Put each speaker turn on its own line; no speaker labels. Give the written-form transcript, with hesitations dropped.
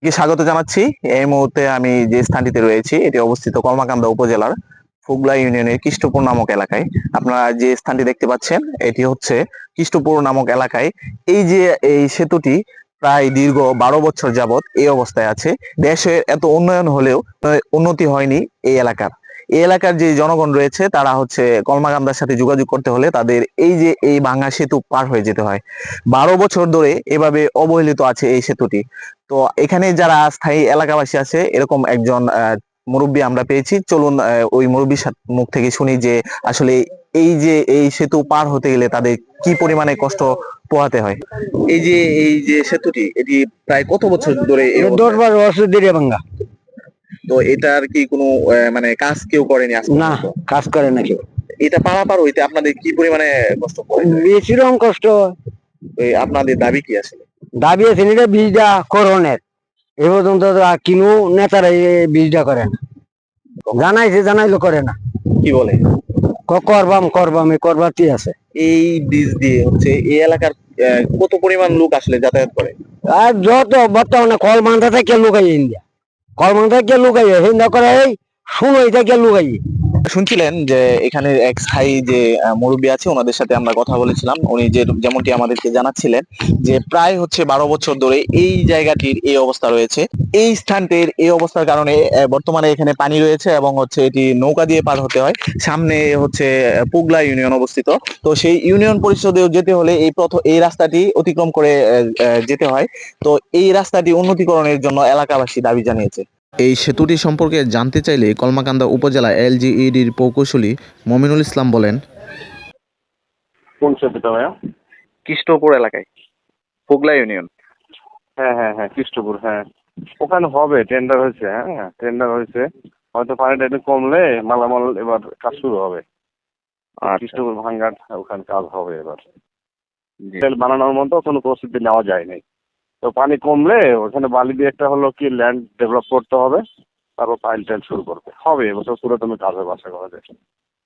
স্বাগত জানাচ্ছি। এই মুহূর্তে আমি যে স্থানটিতে রয়েছি এটি অবস্থিত কলমাকান্দা উপজেলার ফুগলা ইউনিয়নের কৃষ্টপুর নামক এলাকায়। আপনারা যে স্থানটি দেখতে পাচ্ছেন এটি হচ্ছে কৃষ্টপুর নামক এলাকায়। এই যে এই সেতুটি প্রায় দীর্ঘ 12 বছর যাবত এই অবস্থায় আছে। দেশের এত উন্নয়ন হলেও উন্নতি হয়নি এই এলাকার। এই এলাকার যে জনগণ রয়েছে তারা হচ্ছে কলমাকান্দার সাথে যোগাযোগ করতে হলে তাদের এই যে এই ভাঙা সেতু পার হয়ে যেতে হয়। 12 বছর ধরে এভাবে অবহেলিত আছে এই সেতুটি। তো এখানে যারা স্থায়ী এলাকাবাসী আছে এরকম একজন মুরব্বী আমরা পেয়েছি। চলুন ওই মুরব্বীর মুখ থেকে শুনি যে আসলে এই যে এই সেতু পার হতে গেলে তাদের কি পরিমাণে কষ্ট পোহাতে হয়। এই যে সেতুটি এটি প্রায় কত বছর ধরে এই
এটা
অবস্থায়?
10-12 বছর ধরে ভাঙ্গা।
তো এটার কি কোনো মানে কাজ কেউ করেনি আজ
না,
পর্যন্ত?
কাজ করে না কেউ।
এটা পারাপার হইতে আপনাদের কি পরিমাণে কষ্ট পড়ে?
বেশি রকম কষ্ট হয়।
আপনাদের দাবি কি আসলে?
দাবি আছে এটা বীজটা করণের এ পর্যন্ত তো আর কিনু নেতারা এই বীজটা করে না। জানাইছে, জানাইলো করে না।
কি বলে?
করবাম করবাম এ করবারই আছে।
এই ব্রিজ দিয়ে হচ্ছে এই এলাকার কত পরিমাণ লোক আসলে যাতায়াত করে?
আর যত বর্তমানে কলমান্থা থেকে লুকাই ইন্ডিয়া, কলমান্থা থেকে লুকাই হিন্দা করে এই শুনোই থেকে লুকাই।
শুনছিলেন যে এখানে এক স্থায়ী যে মুরব্বী আছে ওনাদের সাথে আমরা কথা বলেছিলাম। উনি যে যেমনটি আমাদেরকে জানাচ্ছিলেন যে প্রায় হচ্ছে 12 বছর ধরে এই জায়গাটির এই অবস্থা রয়েছে। এই স্থানটির এই অবস্থার কারণে বর্তমানে এখানে পানি রয়েছে এবং হচ্ছে এটি নৌকা দিয়ে পার হতে হয়। সামনে হচ্ছে পুগলা ইউনিয়ন অবস্থিত। তো সেই ইউনিয়ন পরিষদেও যেতে হলে এই রাস্তাটি অতিক্রম করে যেতে হয়। তো এই রাস্তাটি উন্নতিকরণের জন্য এলাকাবাসী দাবি জানিয়েছে। এই সেতুটি সম্পর্কে জানতে চাইলে কলমাকান্দা উপজেলা এলজিইডির প্রকৌশলী মমিনুল ইসলাম বলেন,
কোন সেতুটা ভাইয়া?
কৃষ্ণপুর এলাকায় পুগলা ইউনিয়ন।
হ্যাঁ হ্যাঁ হ্যাঁ, কৃষ্ণপুর, হ্যাঁ। ওখানে হবে, টেন্ডার হয়েছে, হ্যাঁ টেন্ডার হয়েছে। হয়তো পানিটা একটু কমলে মালামাল এবার কাজ শুরু হবে। কৃষ্ণপুর ভাঙ্গার ওখানে কাজ হবে এবার। তেল বানানোর মতো কোনো প্রস্তুতি নেওয়া যায় নাই। তো পানি কমলে ওখানে বালি দিয়ে একটা হলো কি ল্যান্ড ডেভেলপ করতে হবে, তারপর পাইল টাইল শুরু করবে, হবে এবছর পুরো তুমি কাজ হবে আশা করা যায়।